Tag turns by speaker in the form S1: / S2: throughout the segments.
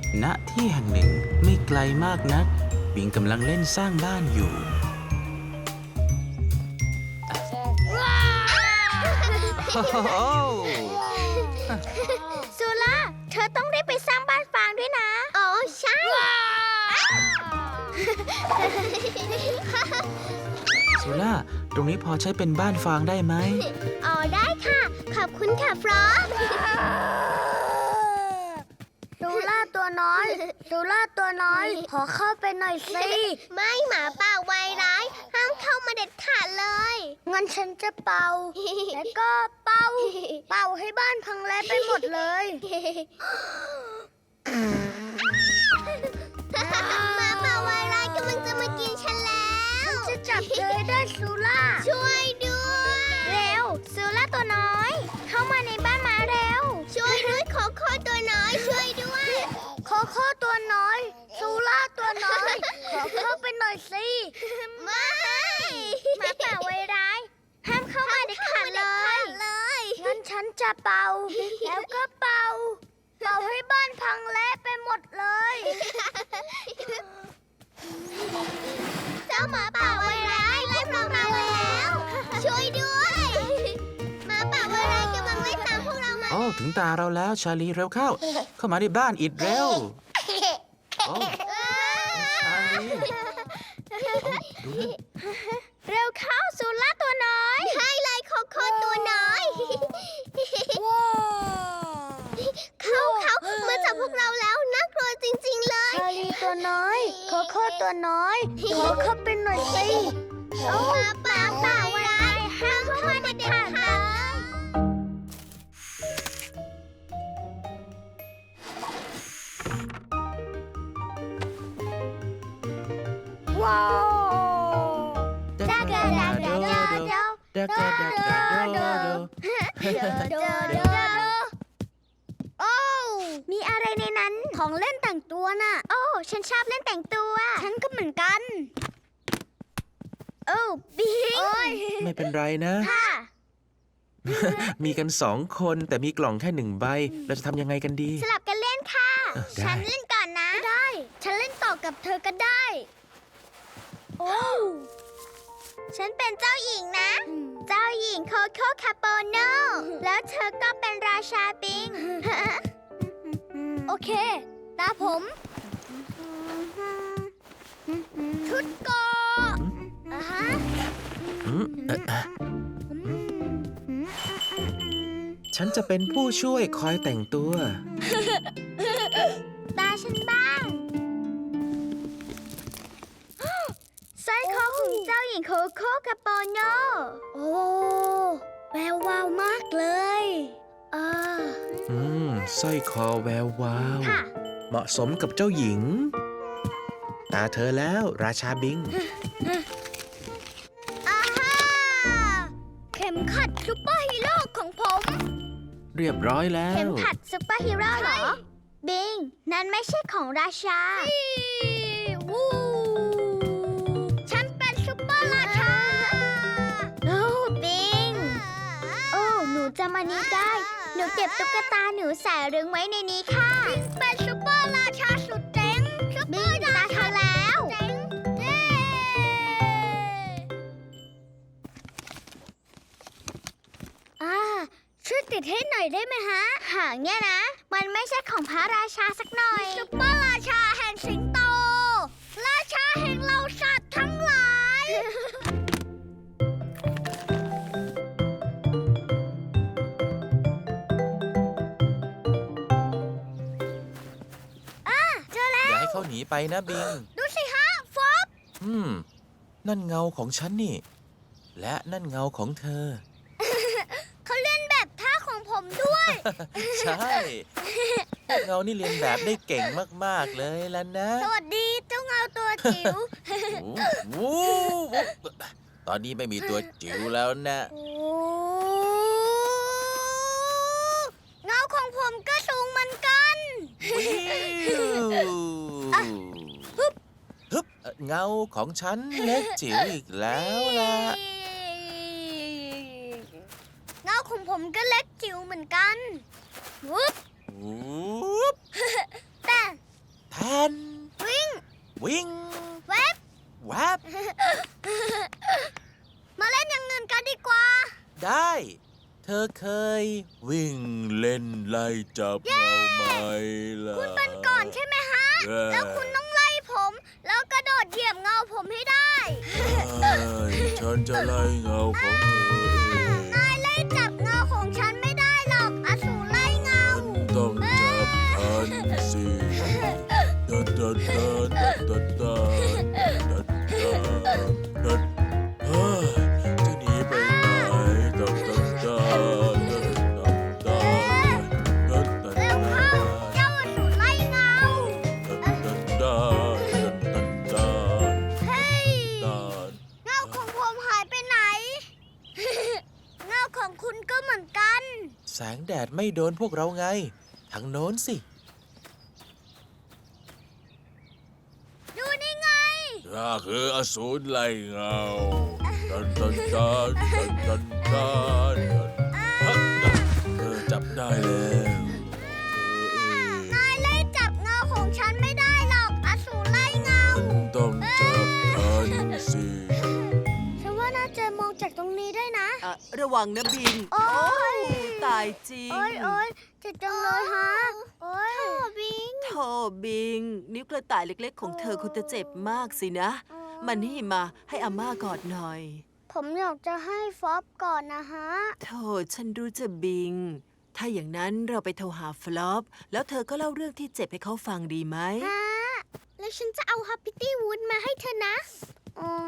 S1: ณที่แห่งหนึ่งไม่ไกลมากนักบิงกำลังเล่นสร้างบ้านอยู่โอ้โห
S2: ซูล่าเธอต้องได้ไปสร้างบ้านฟางด้วยนะอ๋อใช่
S1: ซูล่าตรงนี้พอใช้เป็นบ้านฟางได้ไหม
S2: อ๋อได้ค่ะขอบคุณค่ะฟรอสซูล่าตัวน้อยซูล่าตัวน้อยขอเข้าไปหน่อยสิไม่หมาป่าไวร้ายห้ามเข้ามาเด็ดขาดเลยงั้นฉันจะเป่าแล้วก็เป่าให้บ้านพังแลไปหมดเลยหมาป่าไวร้ายกำลังจะมากินฉันแล้วฉันจะจับเธอได้ซูล่าช่วยด้วยเร็วซูล่าตัวน้อยเข้ามาในบ้านมาเร็วช่วยด้วยโคโค่ตัวน้อยช่วยด้วยโคโค่ตัวน้อยซูล่าตัวน้อยขอเข้าไปหน่อยสิไม่หมาป่าไวร้ายห้ามเข้ามาเด็ดขาดเลยงั้นฉันจะเป่าแล้วก็เป่าให้บ้านพังเละไปหมดเลยเจ้าหมาป่าไวร้ายไล่พวกเราแล้วช่วยด้วยหมาป่าไวร้ายกำลังไล่ตามพวกเรามา
S1: โอ้ถึงตาเราแล้วชาลีเร็วเข้า เข้ามาในบ้านอิดเร็วโอ้ชาลีดูนะ
S2: เร็วเข้าซูล่าตัวน้อยใช่เลยโคโค่ตัวน้อยเขามาจับพวกเราแล้วน่ากลัวจริงๆเลยชาลีตัวน้อยโคโค่ตัวน้อยขอเข้าไปหน่อยสิมาป่าร้ายห้ามเข้ามาเด็ดขาดเลยว้าวดากาดาดาดาดา
S1: ดากาดากาโดโด
S2: โอ้มีอะไรในนั้นของเล่นแต่งตัวน่ะโอ้ฉันชอบเล่นแต่งตัวฉันก็เหมือนกันโอ้บิง
S1: ไม่เป็นไรนะ
S2: ค่ะ
S1: มีกัน2 คนแต่มีกล่องแค่1 ใบเราจะทำยังไงกันดี
S2: สลับกันเล่นค่ะ
S1: ได้
S2: ฉันเล่นก่อนนะได้ฉันเล่นต่อกับเธอก็ได้โอ้ฉันเป็นเจ้าหญิงนะ เจ้าหญิงโคโค่คาโปโนแล้วเธอก็เป็นราชาบิง โอเค ตาผมชุดเกาะฮะ
S1: อืมฉันจะเป็นผู้ช่วยคอยแต่งตัว
S2: ตาฉันบ้างสร้อยคอของเจ้าหญิงโคโค่คาโปโนโอ้แวววาวมากเลย
S1: สร้อยคอแวววาว
S2: ค่ะ
S1: เหมาะสมกับเจ้าหญิง ตาเธอแล้วราชาบิง
S2: อาฮ่าเข็มขัดซุปเปอร์ฮีโร่ของผม
S1: เรียบร้อยแล้
S2: เข็ม
S1: ว
S2: ขัดซุปเปอร์ฮีโร่เหรอ บิง นั่นไม่ใช่ของราชาวูฉันเป็นซุปเปอร์ราชาโอ้บิง โอ้หนูจำอันนี้ได้ หนูเก็บตุ๊กตาหนูใส่รึงไว้ในนี้ค่ะบิงเป็นซุปเปอร์ราชาสุดเจ๋งบิงตาเธอแล้วเย้ช่วยติดให้หน่อยได้ไหมฮะ หางเนี่ยนะ มันไม่ใช่ของพระราชาสักหน่อยซุปเปอร์ราชาแห่งสิงโต ราชาแห่งเหล่าสัตว์ทั้งหลายเจอแล้
S1: อย่าว ให้เขาหนีไปนะบิง
S2: ดูสิฮะฟอบ
S1: นั่นเงาของฉันนี่ และนั่นเงาของเธอ
S2: เขาเล่นแบบท่าของผมด้วย
S1: ใช่พวกเงานี่เรียนแบบได้เก่งมากๆเลยแล้วนะ
S2: สวัสดีเจ้าเงาตัวจิ๋ว
S1: โอ้โหตอนนี้ไม่มีตัวจิ๋วแล้วนะ
S2: โอ้เงาของผมก็สูงเหมือนกัน
S1: ฮึบเงาของฉันเล็กจิ๋วอีกแล้วล่ะ
S2: เงาของผมก็เล็กจิ๋วเหมือนกันวุ๊บ
S1: วูบ
S2: แต่
S1: วิ่ง
S2: แวบ
S1: แวบ
S2: มาเล่นอย่างอื่นกันดีกว่า
S1: ได้ เธอเคย วิ่งเล่นไล่จับเงาไหมล่ะ
S2: คุณเป็นก่อนใช่ไหมฮะ แล้วคุณต้องไล่ผม แล้วกระโดดเหยียบเงาผมให้ได้
S1: ฉันจะไล่เงาของเธอเอง
S2: นายไล่จับเงาของฉันไม่ได้หรอกอสูรไล่เงา
S1: ฉันต้องจับทันสิดัดดัดดัดดัดดัดดัดดัดดัดจะหนีไปไหนดัดดัดดัดดัดดัดดัดดัด
S2: เร็วเข้า เจ้าอสูรไล่เงา
S1: ดัดดัดดัดดัดดัด
S2: เฮ้ย
S1: ดัด
S2: เงาของผมหายไปไหน เงาของคุณก็เหมือนกัน
S1: แสงแดดไม่โดนพวกเราไง ทางโน้นสิ
S2: ดูนี่ไง
S1: ข้าคืออสูรไล่เงาดันดันดันดันดันดันจับได้แล้ว
S2: นายไล่จับเงาของฉันไม่ได้หรอกอสูรไล่เงา
S1: ต้องจับทันสิ
S2: ฉันว่าน่าจะมองจากตรงนี้ได้นะ
S3: ระวังนะบิง
S2: โอ๊ย
S3: ตายจริง
S2: โอ๊ยเจ็บจังเลยฮะ โอ๊ยบิง
S3: โธ่บิง นิ้วกระต่ายเล็กๆของเธอคงจะเจ็บมากสินะ มานี่มาให้อาม่ากอดหน่อย
S2: ผมอยากจะให้ฟอบก่อนนะฮะ
S3: โธ่ฉันรู้จะบิง ถ้าอย่างนั้นเราไปโทรหาฟลอป แล้วเธอก็เล่าเรื่องที่เจ็บให้เขาฟังดีไหม
S2: ฮะ แล้วฉันจะเอาฮัปปี้ตี้วูดมาให้เธอนะอ๋อ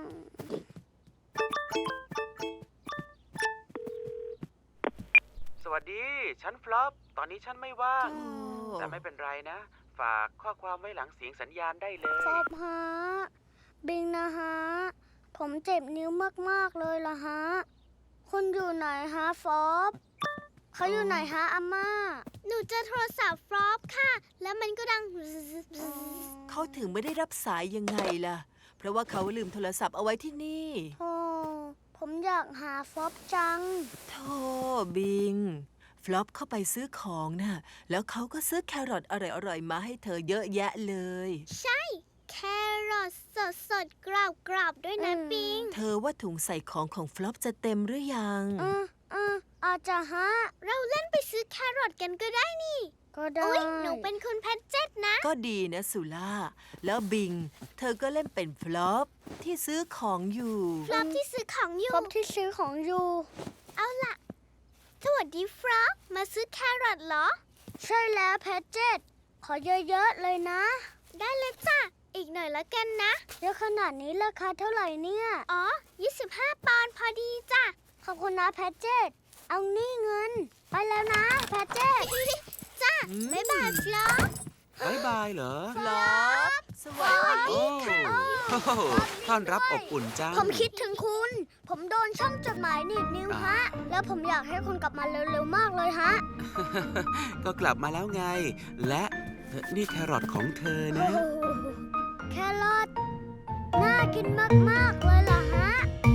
S1: สวัสดี ฉันฟลอป ตอนนี้ฉันไม่ว่าง
S3: โอ้
S1: แต่ไม่เป็นไรนะ ฝากข้อความไว้หลังเสียงสัญญาณได้เลย
S2: ฟอบฮะ บิงนะฮะ ผมเจ็บนิ้วมากๆเลยล่ะฮะ คุณอยู่ไหนฮะฟอบเขาอยู่ไหนฮะอาม่า หนูจะโทรศัพท์ฟอบค่ะ แล้วมันก็ดัง
S3: เขาถึงไม่ได้รับสายยังไงล่ะ เพราะว่าเขาลืมโทรศัพท์เอาไว้ที่นี่
S2: โอ้ผมอยากหาฟอบจัง
S3: โธ่บิง ฟลอปเข้าไปซื้อของน่ะ แล้วเขาก็ซื้อแครอทอร่อยๆมาให้เธอเยอะแยะเลย
S2: ใช่ แครอทสดๆ กรอบๆ ด้วยนะบิง
S3: เธอว่าถุงใส่ของฟลอปจะเต็มหรือยัง
S2: อาจจะฮะ เราเล่นไปซื้อแครอทกันก็ได้นี่ ก็ได้ อุ๊ย หนูเป็นคุณแพทเจ็ตนะ
S3: ก็ดีนะสุล่า แล้วบิง เธอก็เล่นเป็นฟลอปที่ซื้อของอยู่
S2: ฟลอปที่ซื้อของอยู่ ฟลอปที่ซื้อของอยู่ เอาล่ะ สวัสดีฟลอป มาซื้อแครอทเหรอ ใช่แล้วแพทเจ็ตขอเยอะๆเลยนะ ได้เลยจ้ะ อีกหน่อยละกันนะเยอะขนาดนี้ราคาเท่าไหร่เนี่ย อ๋อ 25 ปอนด์พอดีจ้ะ ขอบคุณนะแพทเจ็ตเอานี่เงิน ไปแล้วนะแพทเจ็ต จ้ะ บ๊ายบายฟลอป
S1: บ๊ายบายเหรอ
S3: ฟลอป สวัสดี
S1: โอ้โหต้อนรับอบอุ่นจัง
S2: ผมคิดถึงคุณ ผมโดนช่องจดหมายหนีบนิ้วฮะ แล้วผมอยากให้คุณกลับมาเร็วๆมากเลยฮะ
S1: ก็กลับมาแล้วไง และนี่แครอทของเธอนะ
S2: แครอทน่ากินมากๆเลยล่ะฮะ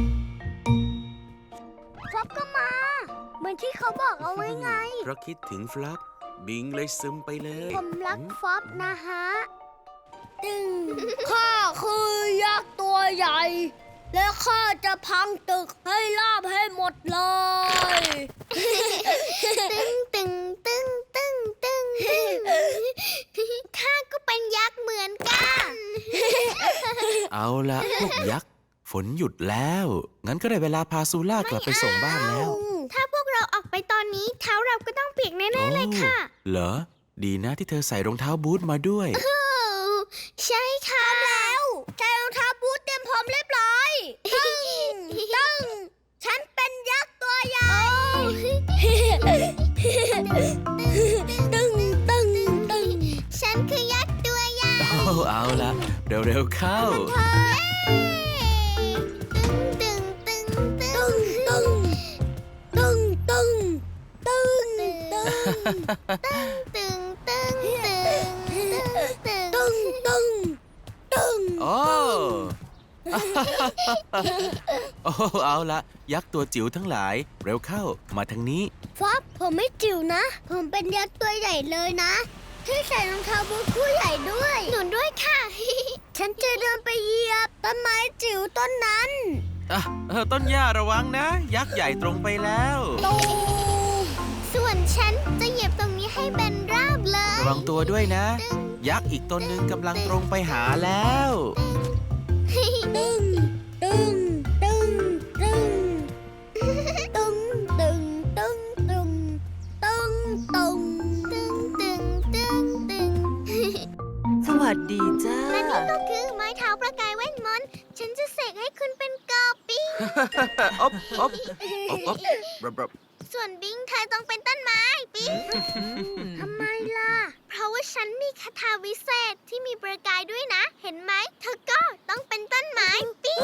S2: ฟอบก็มา เหมือนที่เขาบอกเอาไว้ไง
S1: เพราะคิดถึงฟลอป บิงเลยซึมไปเลย
S2: ผมรักฟอบนะฮะ ตึง ข้าคือยักษ์ตัวใหญ่ และข้าจะพังตึกให้ราบให้หมดเลย ตึงตึงตึงตึงตึงข้าก็เป็นยักษ์เหมือนกัน
S1: เอาละพวกยักษ์ ฝนหยุดแล้ว งั้นก็ได้เวลาพาซูล่ากลับไปส่งบ้านแล้ว
S2: ถ้าพวกเราออกไปตอนนี้เท้าเราก็ต้องเปียกแน่ๆเลยค่ะ
S1: เหรอ ดีนะที่เธอใส่รองเท้าบูทมาด้วย
S2: ใช่ค่ะแล้วใส่รองเท้าบูทเตรียมพร้อมเรียบร้อยตึงฉันเป็นยักษ์ตัวใหญ่ตึงฉันคือยักษ์ตัวใหญ่
S1: เอาละเร็วๆเข้า
S2: ตึงตึงตึงตึงตึงตึงตึงตึงตึงตึงตึงตึงตึงตึง
S1: โอ้ โอ้ เอาละยักษ์ตัวจิ๋วทั้งหลาย เร็วเข้า มาทางนี้
S2: ฟอบผมไม่จิ๋วนะ ผมเป็นยักษ์ตัวใหญ่เลยนะช่วยใส่รองเท้าบูทคู่ใหญ่ด้วยหนูด้วยค่ะ ฉันจะเดินไปเหยียบต้นไม้จิ๋วต้นนั้น
S4: ต้นหญ้าระวังนะ ยักษ์ใหญ่ตรงไปแล้ว
S2: ตูมส่วนฉันจะเหยียบตรงนี้ให้แบนราบเลย
S4: ระวังตัวด้วยนะ ยักษ์อีกตนหนึ่งกำลังตรงไปหาแล้ว
S2: ตึงตึงตึงตึงตึงตึงตึงตึงตึงตึงตึงตึงตึงตึง
S3: สวัสดีจ้า
S2: และนี่ก็คือไม้เท้าประกายเวทมนต์ฉันจะเสกให้คุณเป็นกอปิ้ง
S4: อบอบอบ
S2: ส่วนบิงเธอต้องเป็นต้นไม้ปิ้งทำไมล่ะ เพราะว่าฉันมีคาถาวิเศษที่มีประกายด้วยนะ เห็นไหมเธอก็ต้องเป็นต้นไม้ปิ้ง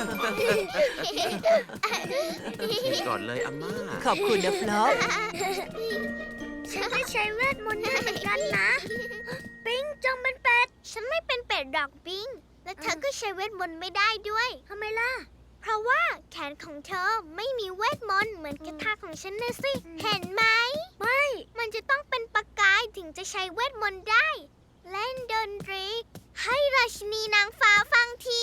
S4: ก่อนเลยอาม่า
S3: ขอบคุณนะฟลอป
S2: ฉันก็ใช้เวทมนต์ได้เหมือนกันนะ ปิ้งจงเป็นเป็ด ฉันไม่เป็นเป็ดดอกปิ้ง และเธอก็ใช้เวทมนต์ไม่ได้ด้วยทำไมล่ะ เพราะว่าแขนของเธอไม่มีเวทมนต์เหมือนคาถาของฉันนะสิ เห็นไหม ไม่ มันจะต้องเป็นประกายถึงจะใช้เวทมนต์ได้ เล่นดนตรี ให้ราชินีนางฟ้าฟังที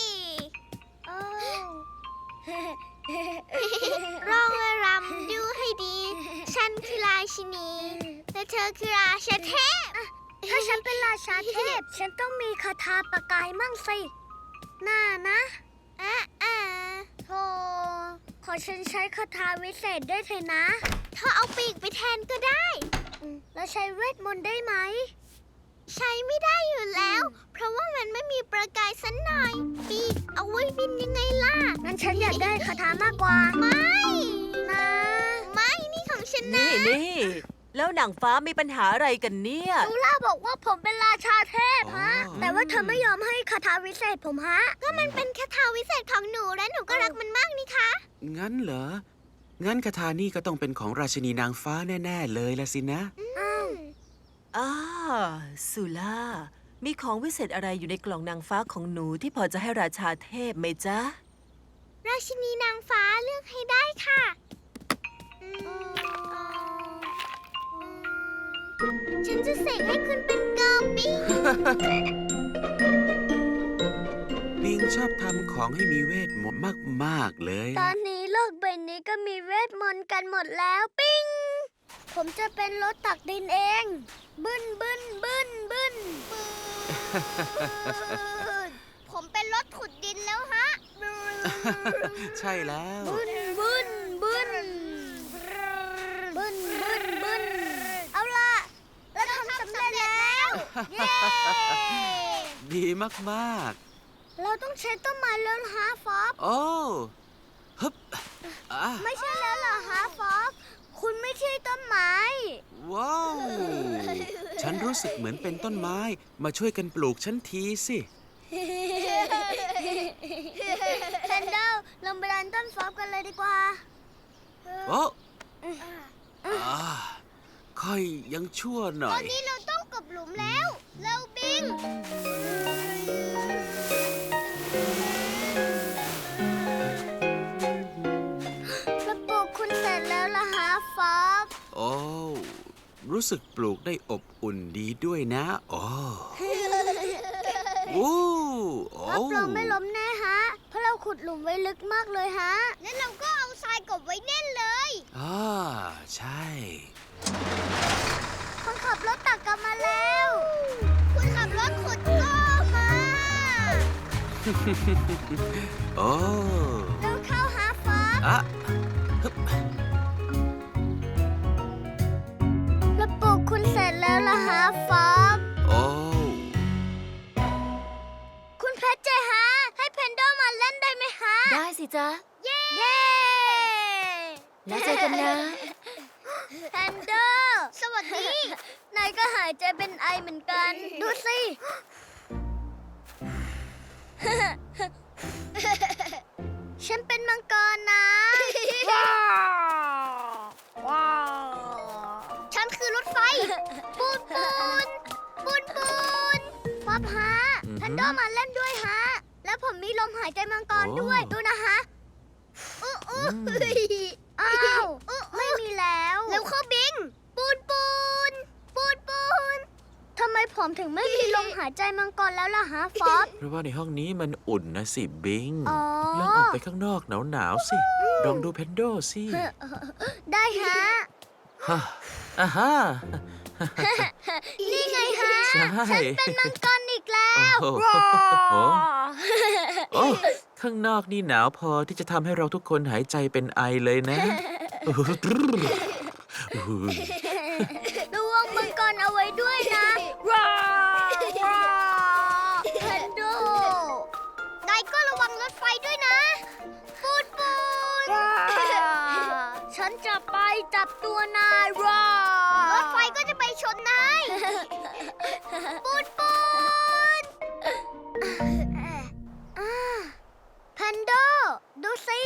S2: ร้องและรำดูให้ดี ฉันคือราชินี และเธอคือราชาเทพ ถ้าฉันเป็นราชาเทพ ฉันต้องมีคาถาประกายมั่งสิน่านะโธ่ขอฉันใช้คาถาวิเศษได้เถอะนะเธอเอาปีกไปแทนก็ได้แล้วใช้เวทมนต์ได้ไหม ใช้ไม่ได้อยู่แล้ว เพราะว่ามันไม่มีประกายสักหน่อย ปีกเอาไว้บินยังไงล่ะ งั้นฉันอยากได้คาถามากกว่า ไม่นะ ไม่นี่ของฉันนะ
S3: นี่แล้วหนังฟ้ามีปัญหาอะไรกันเนี่ย
S2: ลูล่าบอกว่าผมเป็นราชาเทพฮะ
S4: อ๋อ
S2: แต่ว่าเธอไม่ยอมให้คาถาวิเศษผมฮะ ก็มันเป็นคาถาวิเศษของหนูและหนูก็รักมันมากนี่คะ
S4: งั้นเหรอ งั้นคาถานี่ก็ต้องเป็นของราชินีนางฟ้าแน่ๆเลยละสินะ
S3: สุล่า มีของวิเศษอะไรอยู่ในกล่องนางฟ้าของหนูที่พอจะให้ราชาเทพไหมจ๊ะ
S2: ราชินีนางฟ้าเลือกให้ได้ค่ะฉันจะเสกให้คุณเป็นกอปิ้ง
S4: บิงชอบทำของให้มีเวทมนต์มากๆเลย
S2: ตอนนี้โลกใบนี้ก็มีเวทมนต์กันหมดแล้วปิ้ง ผมจะเป็นรถตักดินเอง บึ้นบึ้นบึ้นบึ้นผมเป็นรถขุดดินแล้วฮะ
S4: ใช่แล้ว
S2: บึ้นบึ้นบึ้นบึ้นบึ้นบึ้นเอาล่ะเราทำสำเร็จแล้ว เย้
S4: ดีมาก
S2: เราต้องใช้ต้นไม้แล้วฮะฟอบ
S4: ๆ โอ้ฮึบอ่ะ
S2: ไม่ใช่แล้วเหรอฮะฟอบคุณไม่ใช่ต้นไม้
S4: ว้าว ฉันรู้สึกเหมือนเป็นต้นไม้ มาช่วยกันปลูกฉันทีสิ
S2: แพนเดลลงไปดันต้นฟอบกันเลยดีกว่า
S4: โอ้อ่าค่อยยังชั่วหน่
S2: ต
S4: อ
S2: อน
S4: ย
S2: นี้เราต้องกบหลุมแล้วเร็วบิง ระปลูกคุณเสร็จแล้วล่ะฮะฟอบ
S4: โอ้ รู้สึกปลูกได้อบอุ่นดีด้วยนะโอ้โอ้โอ้
S2: รับรองไม่ล้มแน่ฮะ เพราะเราขุดหลุมไว้ลึกมากเลยฮะ แล้วเราก็เอาทรายกบไว้แน่นเลย
S4: อ่าใช่
S2: คนขับรถตักกลับมาแล้ว คุณขับรถขุดก็มา
S4: โอ้
S2: เร็วเข้าหาฟอบ
S4: อะฮึบ
S2: ระปลูกคุณเสร็จแล้วล่ะฮะฟอบ
S4: โอ้
S2: คุณเพชรเจฮะ ให้เพนโดมาเล่นได้ไหมฮะ
S5: ได้สิจ๊ะ
S2: เย้
S5: แล้วเจอกันนะ
S2: แพนโดสวัสดี นายก็หายใจเป็นไอเหมือนกัน ดูสิ ฉันเป็นมังกรนะ ว้าว ฉันคือรถไฟ ปูนปูนปูนปูนป๊อปฮะแพนโดมาเล่นด้วยฮะ แล้วผมมีลมหายใจมังกรด้วย ดูนะฮะอ้าว ไม่มีแล้ว แล้วเข้าบิง ปูนปูนปูนปูนผมถึงไม่มีลมหายใจมังกรแล้วล่ะฮะฟอบ
S4: เพราะว่าในห้องนี้มันอุ่นนะสิบิง
S2: อ๋อ
S4: ลองออกไปข้างนอกหนาวๆสิ ลองดูเพนโดสิ
S2: ได้ฮะ
S4: ฮ่าอ่าฮ่า
S2: นี่ไงฮะ
S4: ใช่
S2: ฉันเป็นมังกรอีกแล้ว
S4: โอ้โหโอ้ข้างนอกนี่หนาวพอที่จะทำให้เราทุกคนหายใจเป็นไอเลยนะ
S2: ระวังมังกรเอาไว้ด้วยนะแพนโดนายก็ระวังรถไฟด้วยนะ ปูดปูดฉันจะไปจับตัวนายรถไฟก็จะไปชนนาย ปูดปูดแพนโดดูสิ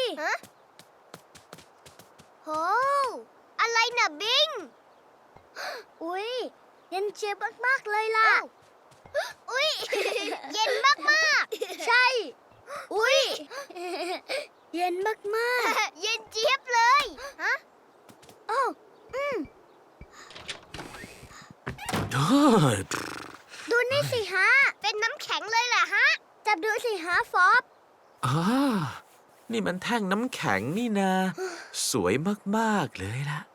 S2: โหอะไรน่ะบิง อุ๊ย เย็นเจี๊ยบมากๆเลยล่ะ อุ๊ย เย็นมากๆ ใช่ อุ๊ย เย็นมากๆ เย็นเจี๊ยบเลย ฮะโอ้ดูนี่สิฮะ เป็นน้ำแข็งเลยแหละฮะ จับดูสิฮะฟอบ
S4: อ่านี่มันแท่งน้ำแข็งนี่นา สวยมากๆเลยล่ะ